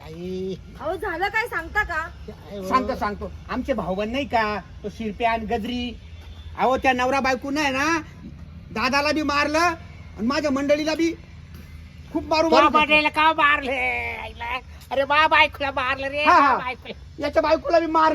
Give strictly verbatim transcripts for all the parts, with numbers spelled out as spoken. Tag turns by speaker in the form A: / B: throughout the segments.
A: आई
B: अहो झालं काय सांगता का?
A: सांगतो सांगतो आमचे भाऊबंद नाही का तो शिरप्या आणि गजरी. अहो त्या नवरा बायको नाही ना दादाला बी मारलं आणि माझ्या मंडळीला बी खूप मारू
C: मंडळीला का मारले? अरे बा बायकोला मारलं रे.
A: हा, हा.
C: बायकोला
A: याच्या बायकोला बी मार.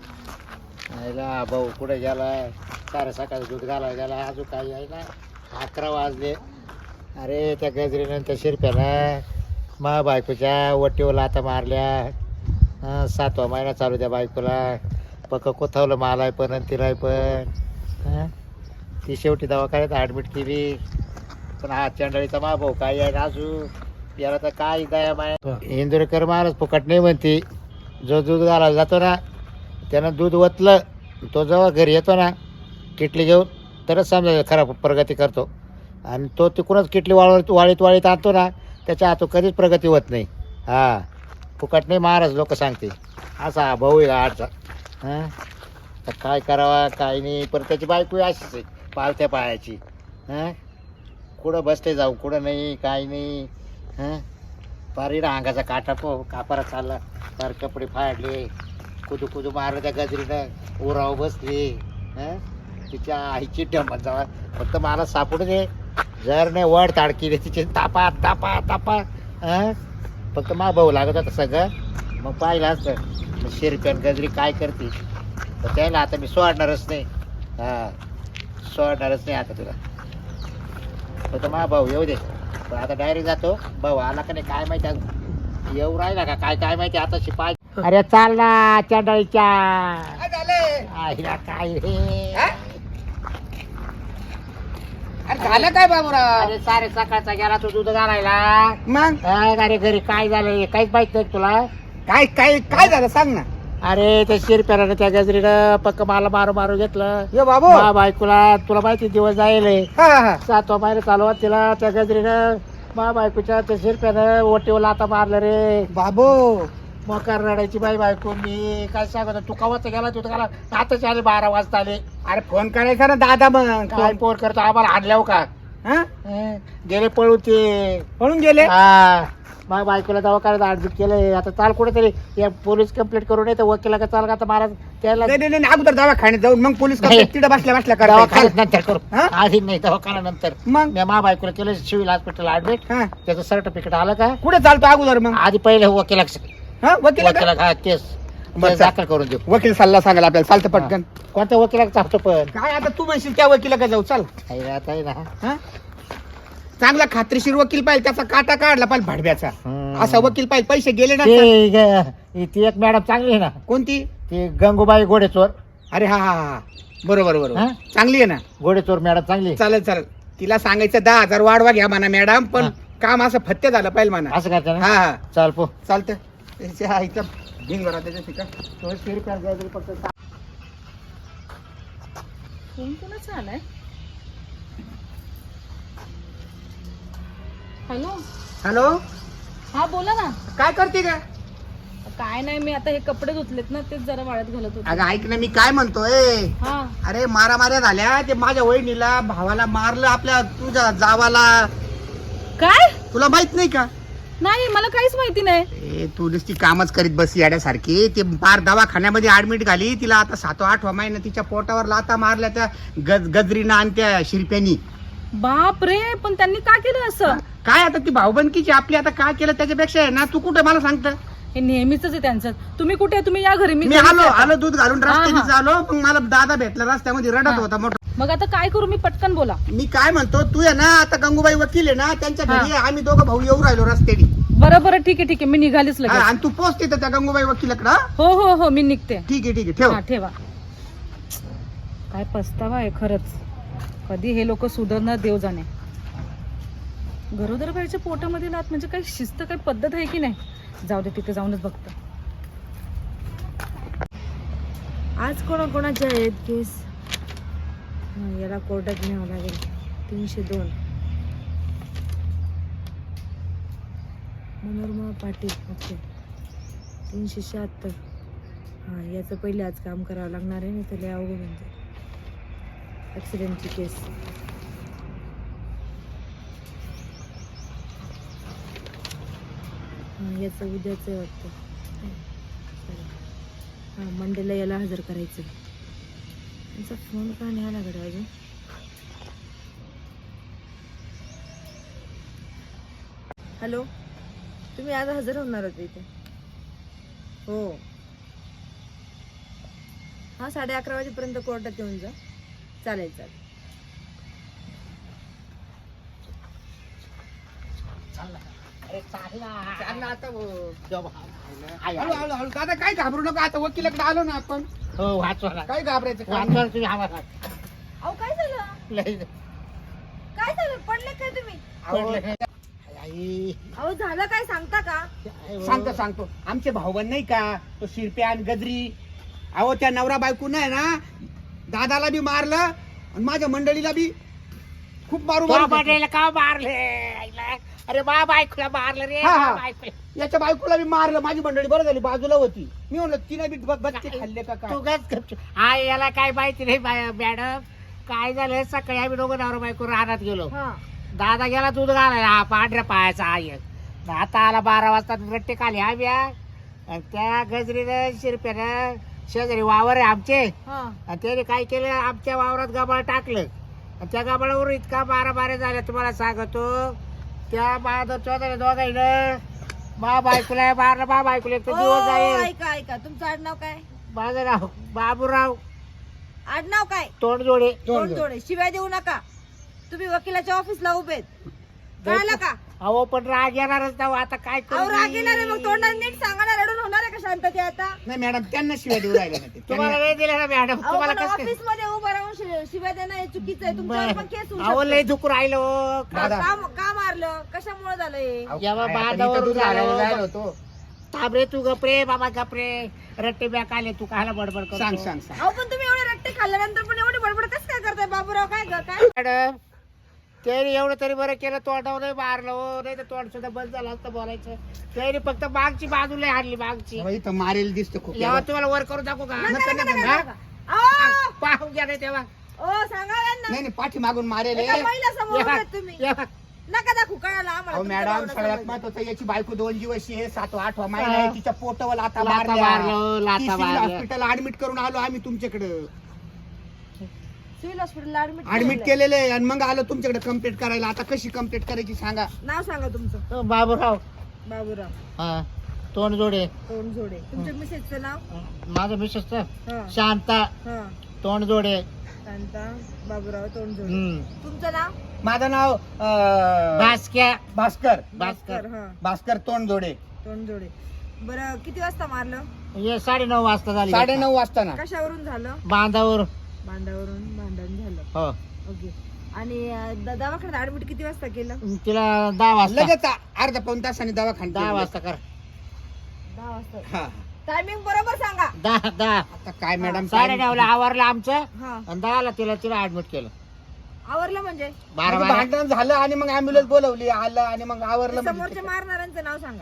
C: भाऊ कुठे गेलाय? सारे सकाळी दूध घालायला गेला अजून काही आहे ना. अकरा वाजले. अरे त्या गजरीनं त्या शिरप्यानं मा बायकोच्या वटीवर आता मारल्या. हं, सातवा महिना चालू त्या बायकोला. पक्क कोथवलं मालाय पण आणि तिलाय पण. हं? ती शेवटी दवाखान्यात ॲडमिट केली. पण हा चंडळीचा मा भाऊ काय आहे अजून याला तर काय दया माय. इंदुरीकर महाराज फुकट नाही म्हणते. जो दूध घालायला जातो ना त्यानं दूध ओतलं तो जेव्हा घरी येतो ना किटली घेऊन तरच समजा खरा प्रगती करतो. आणि तो तिकडूनच किटली वाळवत वाळीत वाळीत आणतो ना त्याच्या हातून कधीच प्रगती होत नाही. हा फुकट नाही महाराज लोक सांगते. असा हा भाऊ आहे आठचा. हां तर काय करावा काय नाही. पण त्याची बायको अशीच आहे पालथ्या पायाची. हां कुठं बसते जाऊ कुठं नाही काय नाही. हां पारीला अंगाचा काटा पो कापारा चालला. पार कपडे फाडले. कुदू कुदू मारलं त्या गजरीनं. उराव बसली. हां तिच्या आईची डंबत जावा फक्त मला सापडू दे. जर नाही वड ताडकीले तिचे तापा तापा तापा. हां फक्त मा भाऊ लागत होता सगळं. मग पाहिलं असतं शिरप्यान गजरी काय करते. तर त्याला आता मी सोडणारच नाही. हां सोडणारच नाही आता तुला. फक्त मा भाऊ येऊ दे. पण आता डायरेक्ट जातो. भाऊ आला का नाही काय माहिती अजून. येऊ राहिला का काय काय माहिती आता शिपाय. अरे चाल ना चंडळीच्या.
A: काय झालं?
C: आईला काय रे.
A: अरे झालं काय बाबूराव?
C: अरे सारे सकाळचा गेला तू दूध घालायला.
A: मग
C: काय अरे घरी काय झालं काहीच माहित नाही तुला.
A: काय काय काय झालं सांग ना.
C: अरे त्या शिरप्यानं त्या गजरीनं पक्क मला मारू मारू घेतलं.
A: ये बाबू.
C: मा बायकोला तुला माहिती दिवस जाईल.
A: हा हा
C: सातवा महिना चालू आहे तिला त्या गजरीनं मा बायकोच्या त्या शिरप्यानं ओटीवर लाता मारलं रे.
A: बाबू
C: मग रडायची बाई बायको. मी काय सांगत तू कवाच गेला तू गेला आताच आले बारा वाजता आले.
A: अरे फोन करायचा ना दादा मग.
C: काय पोर करतो आम्हाला आणल्याव का.
A: हा
C: हं, गेले पळू ते.
A: पळून गेले.
C: हा मग बायकोला दवाखान्यात ऍडमिट केलंय. आता चाल कुठेतरी या पोलीस कंप्लेंट करून येतं वकिला का चाल का आता महाराज त्याला
A: नाही नाही नाही, अगोदर दवाखान्यात जाऊन मग पोलीस
C: नाही.
A: तिथे बसल्या बसल्या करता
C: दवाखान्यात नंतर करू.
A: हा?
C: आधी नाही दवाखान्यानंतर.
A: मग
C: मी मा बायकोला केलं सिव्हिल हॉस्पिटल ऍडमिट.
A: हा
C: त्याचं सर्टिफिकेट आलं का.
A: कुठे चालतो अगोदर मग.
C: आधी पहिले वकिला
A: हा वकील का?
C: वकिला हा केस
A: बरं,
C: केस दाखल करून देऊ.
A: वकील सल्ला सांगायला आपल्याला चालतं पटकन.
C: कोणत्या वकिला चालतो पण
A: काय आता तू म्हणशील त्या वकिला का जाऊ चाल.
C: आहे आता आहे ना.
A: हा चांगला खात्रीशीर वकील पाहिजे. त्याचा काटा काढला पाहिजे भाडव्याचा.
C: हम्म.
A: असा वकील पाहिजे. पैसे गेले ना.
C: ते ग- ती एक मॅडम चांगली आहे ना.
A: कोणती?
C: ती गंगूबाई घोडेचोर.
A: अरे हा हा हा बरोबर बरोबर
C: हा?
A: चांगली आहे ना.
C: घोडेचोर मॅडम चांगली आहे.
A: चालेल चालेल. तिला सांगायचं दहा हजार वाढवा घ्या म्हणा मॅडम. पण
C: हा.
A: काम असं फत्ते झालं पाहिजे म्हणा.
C: असं करता ना.
A: हा हा
C: चाल पो
A: चालतं. त्याच्या आईचा भिंगरा त्याच्या ठिका
B: फोन कोणाचा आलाय? हॅलो.
A: हॅलो
B: हा बोला ना.
A: काय करते का?
B: काय नाही मी आता हे कपडे धुतलेत ना तेच जरा वाळत घालत होते.
A: अगं ऐक ना मी काय म्हणतोय.
B: हा
A: अरे मारा माऱ्या झाल्या. ते माझ्या वहिनीला भावाला मारलं आपल्या तुझ्या जावाला.
B: काय?
A: तुला माहित नाही का?
B: नाही मला काहीच माहिती नाही.
A: ए तू नुसती कामच करीत बस याड्यासारखी. ते पार दवाखान्यामध्ये ऍडमिट झाली. तिला आता सातवा आठवा महिना तिच्या पोटावर लाता मारल्या त्या गज गजरीनं आणि त्या शिरप्यानी.
B: बाप रे पण त्यांनी का केलं असं?
A: काय आता ती भाऊबंदकीची आपली आता काय केलं त्याच्यापेक्षा आहे ना. तू कुठे मला सांगत.
B: हे नेहमीच आहे त्यांचं. तुम्ही कुठे आहे? तुम्ही या घरी. मी
A: मी
B: घरीच
A: आलो
B: आहे आता.
A: आलो दूध घालून
B: हा,
A: रस्त्याने
B: हा.
A: आलो. मग मला दादा भेटला रस्त्यामध्ये रडत
B: हा.
A: होता मोठा.
B: मग आता काय करू मी? पटकन बोला.
A: मी काय म्हणतो तू आहे ना आता गंगूबाई वकील आहे ना त्यांच्या
B: हा.
A: घरी आहे. आम्ही दोघं भाऊ येऊ राहिलो रस्त्याने.
B: बरं बरं ठीक आहे ठीक आहे मी निघालीच
A: हा,
B: लगेच.
A: आणि तू पोचते त्या गंगूबाई वकिलाकडं.
B: हो हो हो मी निघते.
A: ठीक आहे ठीक आहे ठेव.
B: हा ठेवा. काय पस्तावा आहे खरंच. कधी हे लोक सुधारणार देव जाणे. गरोदर बाईच्या पोटामध्ये लात म्हणजे काही शिस्त काही पद्धत आहे की नाही. जाऊ दे तिथे जाऊनच बघतो. आज कोणाकोणाचे आहेत केस? हा, याला कोर्टात न्यावं लागेल. तीनशे दोन मनोरमा पाटील. ओके तीनशे शहात्तर. हां याचं पहिले आज काम करावं लागणार आहे. नाही तर लय अवघड म्हणजे ॲक्सिडेंटची केस. हां याचं उद्याच आहे वाटतं. हां मंडेला याला हजर करायचं. त्यांचा फोन का नाही आला गड्या अजून. हॅलो तुम्ही आज हजर होणार होते इथे? हो हां साडे अकरा वाजेपर्यंत कोर्टात येऊन जा. चालेल चालेल.
A: चाललं आता हळू हळू हळू दादा काय घाबरू नका. आता वकिलाकडे आलो ना आपण.
C: हो वाचवा
A: काय घाबरायचं काम
C: वाचवा
A: नाही.
C: तुम्ही आम्हाला
B: अहो काय झालं
C: लय
B: काय झालं पडले काय तुम्ही?
A: अहो,
C: आई.
B: अहो झालं काय सांगता का?
A: सांगतो सांगतो आमचे भाऊबंद नाही का तो शिरप्या आणि गजरी. अहो त्या नवरा बायको नाही ना दादाला बी मारलं आणि माझ्या मंडळीला बी खूप मारू
C: तो
A: मारू घेतलं.
C: बड्याला का मारले आईला? अरे बा बायकोला मारलं रे
A: हा, हा.
C: बा बायकोला.
A: याच्या बायकोला बी मारलं. माझी मंडळी बरं झाली बाजूला होती. मी म्हणलं तिने बी ब- बच्चे खाल्ले का काय.
C: तू गच गपचूप. आई याला काय माहिती नाही बाय- मॅडम काय झालं सकाळी आम्ही दोघं नवरा बायको रानात गेलो.
B: हा
C: दादा गेला दूध घालायला हा पांढऱ्या पायाचा आई एक. आता आला बारा वाजता रट्टे खाली आम्ही हा. आणि त्या गजरीनं शिरप्यानं शेजारी वावर आहे आमचे
B: हा
C: आणि त्याने काय केलं आमच्या वावरात गबाळ टाकलं आणि त्या गबाळावर इतका बारा बारा झाल्या तुम्हाला सांगतो. त्या बहादूर चौधरी दोघांना मा बायकोला मारलं मा बायकोला एक तर दिवस
B: ओ,
C: जाईल.
B: ऐका ऐका तुमचं आडनाव काय?
C: माझं नाव बाबूराव
B: आडनाव काय?
C: तोंडजोडे.
B: तोंड जोडे. शिवाय देऊ नका. तुम्ही वकिलाच्या ऑफिसला उभेत. कळलं का?
C: अहो पण राग येणारच ना हो. आता काय करू
B: अहो राग
C: मी?
B: येणार आहे, मग तोंडाने नीट सांगा ना. रडून होणार आहे का शांतते आता?
A: नाही मॅडम त्यांना शिवाय देऊ राहिले ना ते.
C: तुम्हाला
A: त्यांना-
C: वेळ दिला ना मॅडम
B: अहो
C: तुम्हाला
B: पण
C: कसं
B: ऑफिस मध्ये उभं राहून शि- शिवाय देणं हे चुकीचं आहे. तुमच्यावर पण केस होऊ
C: अहो लय
B: शकते.
C: दुखू राहिलो
B: का
A: दादा.
B: का- का मारलं? कशामुळे झालं हे?
A: अहो,
C: जेव्हा
A: काय आता
C: बांधावर
A: इथं दूध
C: झालं.
A: घालायला जायला होतो.
C: थांबरे तू गपरे बाबा गपरे रट्टे बॅक आले तू कायला बडबड करतो?
A: सांग सांग सांग
B: अहो पण तुम्ही एवढे रट्टे खाल्ल्यानंतर पण एवढी बडबड कसं काय करताय बाबूराव? काय ग काय?
C: मॅडम त्याने एवढं तरी बरं केलं तोंडावर नाही मारलं हो नाही तर तोंड सुद्धा बंद झालं असतं बोलायचं. त्याने फक्त मागची बाजूला हाडली मागची.
A: अहो, इथं मारेल दिसतं खूप.
C: जेव्हा तुम्हाला वर करून दाखवू का?
B: नका, नका, नका,
C: हा?
B: नका. अहो,
C: पाहून घ्या नाही तेव्हा
B: ओ सांगा यांना.
A: नाही नाही पाठी मागून मारेल
B: एका
A: हे.
B: महिला समोर
C: या
B: उभे आहेत तुम्ही.
C: या.
B: नका दाखवू कळालं आम्हाला.
A: अहो
B: तुमचं
A: मॅडम
B: भावना
A: सगळ्यात
B: समजलं.
A: महत्वाचं याची बायको दोन दिवशी आहे सातवा आठवा महिना
C: हा.
A: आहे. तिच्या पोटावर आता
C: लाथा मारलं, लाथा मारल्या.
A: हॉस्पिटल ऍडमिट करून आलो आम्ही तुमच्याकडे.
B: सिव्हिल हॉस्पिटलला ऍडमिट
A: ऍडमिट केलेले आहे आणि मग आलो तुमच्याकडे कंप्लीट करायला. आता कशी कंप्लीट करायची सांगा.
B: नाव सांगा तुमचं.
C: तो बाबूराव
B: बाबूराव
C: हा तोंडजोडे.
B: तोंडजोडे. तुमच्या मिसेसचं नाव?
C: माझं मिसेस
B: हा
C: शांता
B: हा
C: तोंडजोडे.
B: शांता बाबूराव तोंडजोडे.
C: हम्म.
B: तुमचं नाव?
A: माझं नाव अं,
C: भास्क्या
A: भास्कर
C: भास्कर.
B: हा
A: भास्कर तोंडजोडे.
B: तोंडजोडे. बरं किती वाजता मारलं?
C: हे साडे नऊ वाजता झाली.
A: साडे नऊ वाजता ना.
B: कशावरून झालं?
C: बांधावर.
B: भांड्यावरून भांडण झालं.
C: हो
B: ओके. आणि अं, द- दवाखान्यात ऍडमिट किती वाजता केलं?
C: तिला दहा वाजता
A: लगेच अर्धा पाऊन तासाने दवाखान्यात
C: दहा
A: गेलो.
C: वाजता कर.
B: दहा वाजता.
A: हा
B: टायमिंग बरोबर सांगा.
C: दहा दहा
A: आता काय मॅडम
C: साडे नऊला आवरलं आमचं
B: हा
C: आणि दहाला तिला तिला ऍडमिट केलं.
B: आवरलं म्हणजे?
C: बारा
A: म्हणजे
C: बारा
A: भांडण झालं आणि मग अँब्युलन्स बोलवली आलं आणि मग आवरलं म्हणजे
B: समोरच्या
A: ते.
B: मारणाऱ्यांचं नाव सांगा.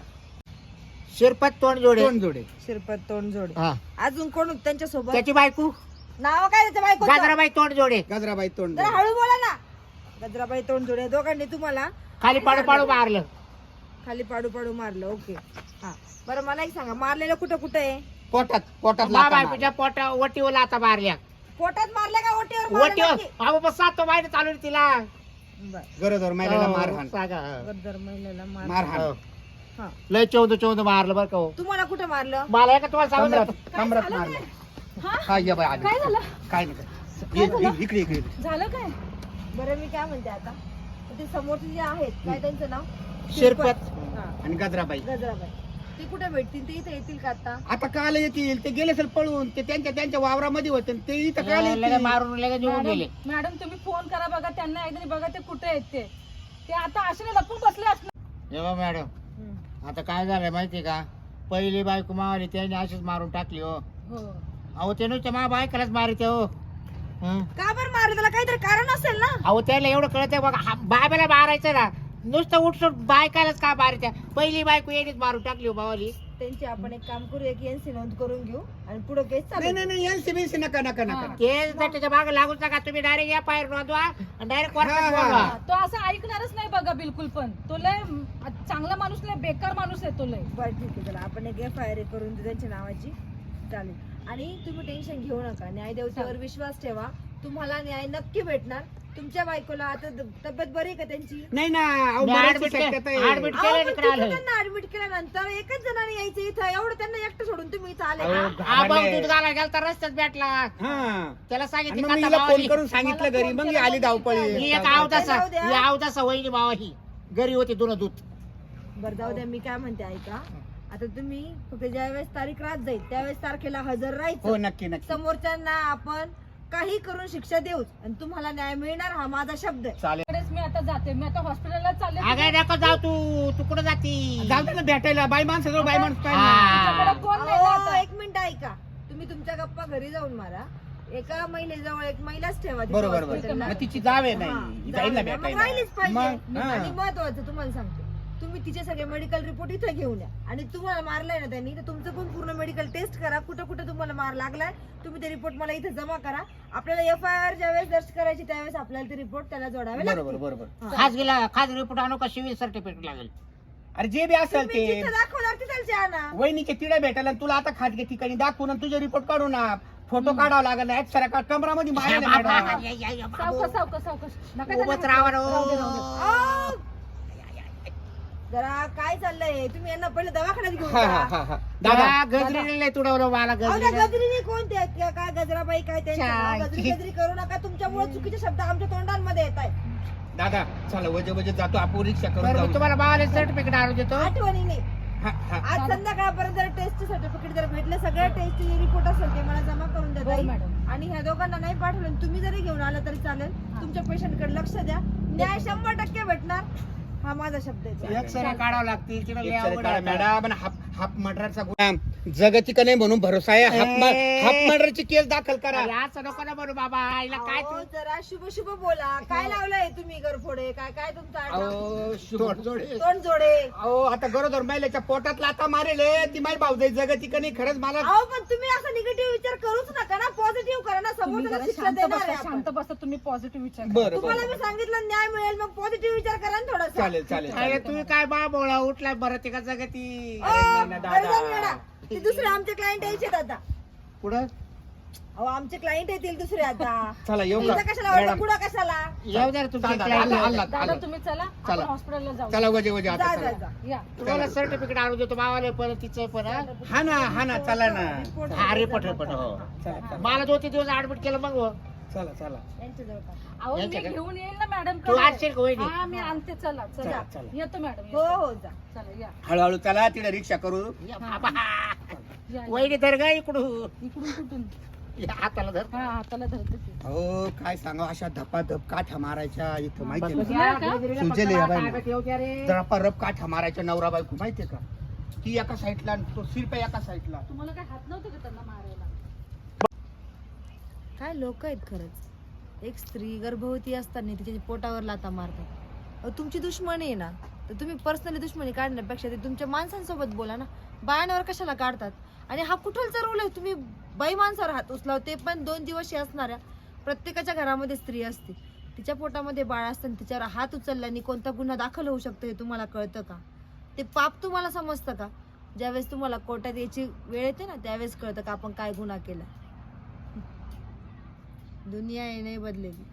C: शिरपत तोंडजोडे.
A: तोंडजोडे.
B: शिरपत तोंडजोडे.
C: हा
B: अजून कोण होतं त्यांच्या सोबत?
C: त्याची बायको
B: नाव काय त्याच्या बायको?
C: गाजराबाई तोंडजोडे.
A: गजराबाई
B: जरा
A: तोंडजोडे.
B: हळू बोला ना. गजराबाई तोंडजोडे दोघांनी तुम्हाला
C: खाली पाडू पाडू मारलं.
B: खाली पाडू पाडू मारलं. ओके. हा बरं मला एक सांगा मारलेलं कुठं कुठं आहे?
A: पोटात पोटात
C: मा
A: लाथा
C: बायकोच्या पोटा ओटीवर आता मारल्या.
B: पोटात मारलं का ओटीवर मारलं
C: ओटीवर
B: नक्की?
C: अहो बस सात महिने चालू आहे तिला.
B: बरं.
A: मारली. गरोदर महिलेला
C: हो,
A: मारहाण
C: सांगा.
B: गरोदर महिलेला मार.
A: मारहाण
C: हो.
B: हा
C: लय चौद चौद मारलं बरं का हो.
B: तुम्हाला कुठं मारलं?
C: मला एका तुम्हाला सांगू
A: कमरात
C: नका.
A: कमरात मारलं.
B: हा
A: हा ये बाई आली.
B: काय झालं?
A: काय नाही काय. ये- ये- इकडे इकडे इकडे.
B: झालं काय? बरं मी काय म्हणते आता ते समोरचे जे आहेत काय त्यांचं नाव?
C: शिरपत.
B: हा
A: आणि गजराबाई
B: गजराबाई. ते कुठे भेटतील? ते इथे येतील का आता?
A: आता काल येतील. ते गेले असेल पळून. ते त्यांच्या त्यांच्या वावरामध्ये होते ते इथं काल
C: लगेच
A: येतील.
C: मारून लगेच निघून गेले.
D: मॅडम तुम्ही फोन करा बघा त्यांना एकदा बघा ते कुठे आहेत ते ते आता असे लपून बसले असणार.
C: हे बघ मॅडम
B: हम्म.
C: आता काय झालंय माहितीये का पहिली बायको मावली त्याने अशीच मारून टाकली हो.
D: हो
C: अहो ते नुसतं मा बायकालाच मारते हो. हं.
B: का बरं मारलं? त्याला काहीतरी कारण असेल ना.
C: अहो त्याला एवढं कळतंय बघा हा बायबाला मारायचं ना नुसतं उठसूट बायकालाच का मारत्या. पहिली बायको येणीच मारून टाकली हो मावली.
B: त्यांची आपण एक काम करू, एक एनसी नोंद करून घेऊ आणि पुढे केस
A: नाही
B: चालू
A: नाही नाही एन सीबीसी नका नका नका
D: हा.
C: ते जर त्याच्या मागे लागून नका तुम्ही डायरेक्ट या फायर नोंदवा आणि डायरेक्ट
A: हा, हा.
C: बोलवा.
D: तो असं ऐकणारच नाही बघा बिलकुल पण तो लय म, चांगला माणूस लय बेकार माणूस आहे तो लय.
B: बरं ठीक आहे, चला आपण एक एफ आय आर करून देऊ त्यांच्या नावाची. चालेल. आणि तुम्ही टेन्शन घेऊ नका, न्यायदेवतेवर विश्वास ठेवा, तुम्हाला न्याय नक्की भेटणार. तुमच्या बायकोला आता द- तब्येत बरी आहे का त्यांची?
A: नाही ना अहो,
C: मी
A: मराठी
C: admit
A: शक्यता
C: केलं-
A: आहे.
C: admit
B: अहो,
C: केलं
B: पण
C: इकडे आलोय.
B: तिथं त्यांना ऍडमिट केल्यानंतर एकच जणांनी यायचं इथं, एवढं त्यांना एकटं सोडून तुम्ही इथं आले
A: अहो,
B: का?
C: हा भाऊ
A: घाबरले.
C: दूध घालायला गेला तर रस्त्यात भेटला.
A: हा
C: त्याला
A: आणि
C: सांगितलं
A: मग मी
C: का
A: हिला
C: आता
A: फोन
C: भावाली-
A: करून सांगितलं
D: मला
A: घरी
D: फोन
A: मग
D: केला
A: ही आली
D: मग
A: धावपळी
C: ही एक
B: जाऊ
C: आवदासा
B: द्या.
C: ही आवदासा वहिनी भावा ही घरी होती दोन दूध.
B: बरं जाऊ द्या, मी काय म्हणते ऐका, आता तुम्ही फक्त ज्यावेळेस तारीख रात जाईल त्यावेळेस तारखेला हजर
A: हो
B: राहायचं.
A: नक्की नक्की
B: समोरच्यांना आपण काही करून शिक्षा देऊच आणि तुम्हाला न्याय मिळणार, हा माझा शब्द आहे.
A: चालेल
D: इकडेच मी आता जाते, मी आता हॉस्पिटलला चालले.
C: अगं नको जाऊ तू तू कुठं जाती
A: जाऊ दे ना भेटायला बाई माणसं बाई माणूस काय
C: हा.
A: ना.
D: तुझ्याकडे कोण नाही ना
B: अहो,
D: आता.
B: एक मिनिट ऐका, तुम्ही तुमच्या गप्पा घरी जाऊन मारा. एका महिलेजवळ एक महिलाच ठेवा तिथं
A: बरोबर
B: हॉस्पिटलला.
A: बरोबर मग तिची जावे
B: हा,
A: नाही ही
B: जाऊ
A: जाईल ना
B: द्या. मग
A: भेटायला
B: राहिलीच पाहिजे.
A: मग हा.
B: आणि महत्वाचं तुम्हाला सांगतो, तुम्ही तिचे सगळे मेडिकल रिपोर्ट इथे घेऊन या आणि तुम्हाला मारलाय ना त्यांनी, तर तुमचं पण पूर्ण मेडिकल टेस्ट करा, कुठं कुठं तुम्हाला मार लागलाय तुम्ही ते रिपोर्ट मला इथे जमा करा. आपल्याला एफ आय आर ज्यावेळेस दर्ज करायची त्यावेळेस आपल्याला ते रिपोर्ट त्याला जोडावे
A: बरोबर
B: लागतील.
A: बरोबर
B: हा.
C: खास गेला खास रिपोर्ट आणू का सिव्हिल सर्टिफिकेट लागेल.
A: अरे जे बी असेल
B: तुम्ही
A: ते
B: जिथं दाखवणार तिथं आणा.
A: वहिनीचे तिडे भेटायला आणि तुला आता खाजगी ठिकाणी दाखवून आणि तुझे रिपोर्ट काढून ना फोटो काढावा लागेल एक्सरा का कमरामध्ये मारा ना मॅडम.
C: या, या, या, बाबू.
D: सावकाश सावकाश सावकाश नका
C: उभंच
D: त्याला-
C: राहा ना,
D: राहू दे, राहू दे.
C: ओ.
B: अहो, जरा काय चाललंय, तुम्ही यांना पहिले दवाखान्यात घेऊन
A: हा हा
B: जा.
A: हा हा दादा
C: त्या गजरीने लय तुडवलं मला
B: अहो, त्या
C: गजरीने.
B: गजरीने कोणते आहेत किंवा काय गजराबाई काय त्यांचं नाव?
C: छान.
B: गजरी गजरी करू नका, तुमच्यामुळे चुकीचे शब्द आमच्या तोंडांमध्ये येत आहेत.
A: दादा चला वजे वजे जातो आपण रिक्षा करून
C: बरं, मी
A: जाऊ.
C: तुम्हाला भावाला सर्टिफिकेट आणून देतो.
B: आठवणीने
A: हा, हा.
B: आज संध्याकाळपर्यंत जर टेस्ट सर्टिफिकेट जर भेटले, सगळ्या टेस्टचे रिपोर्ट असेल ते मला जमा करून द्या
D: हो,
B: ताई.
D: मॅडम.
B: आणि ह्या दोघांना नाही पाठवलं आणि तुम्ही जरी घेऊन आला तरी चालेल. तुमच्या पेशंटकडे लक्ष द्या, न्याय शंभर टक्के भेटणार, हा माझा शब्द आहे.
C: एक्सरे काढावं लागतील तिला लय
A: एक
C: अवघड
A: काढा
C: आहे.
A: मॅडम आणि हाफ हाफ मर्डरचा गुन्हा जगती का नाही म्हणून भरोसा आहे. हाफ म-
C: ए.
A: हाफ मर्डरची केस दाखल करा.
C: अरे, असं नको ना म्हणू बाबा आईला काय
B: अहो,
C: तू
B: जरा शुभ शुभ बोला. काय लावलंय तुम्ही गरफोडे? काय काय तुमचं आडनाव?
A: अहो, शुभ-
B: तोंड जोडे.
A: अहो आता गरोदर महिलेच्या पोटात लाता मारेले ती माई भाऊजाई जगती का नाही खरंच मला
B: अहो पण तुम्ही असा निगेटिव्ह विचार करूच नका ना, पॉझिटिव्ह करा ना.
D: तुम्ही
B: समोरच्याला
D: जरा
B: शिक्षा
D: शांत
B: देणार
D: बसा
B: आहे आपण.
D: शांत बसा तुम्ही पॉझिटिव्ह विचार करा.
A: बरं
B: तुम्हाला
A: बरं
B: मी सांगितलं न्याय मिळेल, मग पॉझिटिव्ह विचार करा ना थोडासा.
A: चालेल चालेल
C: अरे
A: चालेल.
C: तुम्ही काय बा बोळा उठलाय बरं ते का जगती
B: अ,
A: नाही ना, दादा.
B: गरजन वेडा. ते दुसरे आमचे क्लायंट यायचे आता.
C: पुढं
B: अहो आमचे क्लायंट येतील दुसरे आता.
A: चला येऊ का
B: इथं कशाला वाटलं,
A: मॅडम
B: पुढं कशाला?
C: येऊ द्या रे तुमच्या
A: चालतं,
C: client
A: आलं,
C: ला.
A: आलं.
D: दादा तुम्ही चला आपण
A: चला.
D: हॉस्पिटलला जाऊ.
A: चला वजे वजे आता
B: जा
A: चला.
B: जा जा.
D: या
C: तुम्हाला सर्टिफिकेट आणून देतो भावाला पण तिचं पण हा?
A: हा ना हा ना चला ना
C: हा रिपोर्ट रिपोर्ट हो
A: चला चला
C: मला दोन तीन दिवस ऍडमिट केलं मग हो.
A: चला चला
B: यांच्याजवळ का?
D: अहो मी
C: यांच्याकडे.
D: घेऊन येईल ना मॅडम
C: तू आणशील का वहिनी?
D: हा मी आणते चला
A: चला,
D: चला
A: चला.
D: येतो मॅडम
B: हो
D: येतो.
B: हो जा.
D: चला या
A: हळूहळू चला तिला रिक्षा करू
C: या बाबा.
D: या, या.
C: वहिनी धर गा इकडून
D: इकडून कुठून
C: या हाताला धर
D: हा हाताला धरते ती.
A: हो काय सांगा अशा धपाधप काठ्या मारायच्या इथं माहितीये
C: बस,
A: ना
C: या,
D: का?
C: गजरीला
A: सुजले
C: पकडा,
A: या बाई.
C: ताब्यात येऊ द्या रे.
A: धपाधप काठ्या मारायच्या नवरा बायको माहितीये का ती एका साईडला आणि तो शिरप्या एका साईडला
D: तुम्हाला काय हात नव्हते का त्यांना मारायला?
B: काय लोक आहेत खरंच. एक स्त्री गर्भवती असताना तिच्या पोटावर लाता मारतात. अहो, तुमची दुश्मनी आहे ना, तर तुम्ही पर्सनली दुश्मनी काढण्यापेक्षा ते तुमच्या माणसांसोबत बोला ना. बायांवर कशाला काढतात? आणि हा कुठलचा रोल आहे? तुम्ही बाई माणसावर हात उचलाव, ते पण दोन दिवशी असणाऱ्या. प्रत्येकाच्या घरामध्ये स्त्री असते, तिच्या पोटामध्ये बाळ असतं, तिच्यावर हात उचलल्याने कोणता गुन्हा दाखल होऊ शकतो हे तुम्हाला कळतं का? ते पाप तुम्हाला समजतं का? ज्यावेळेस तुम्हाला कोर्टात यायची वेळ येते ना, त्यावेळेस कळतं का आपण काय गुन्हा केला. दुनिया हे नाही बदलेली.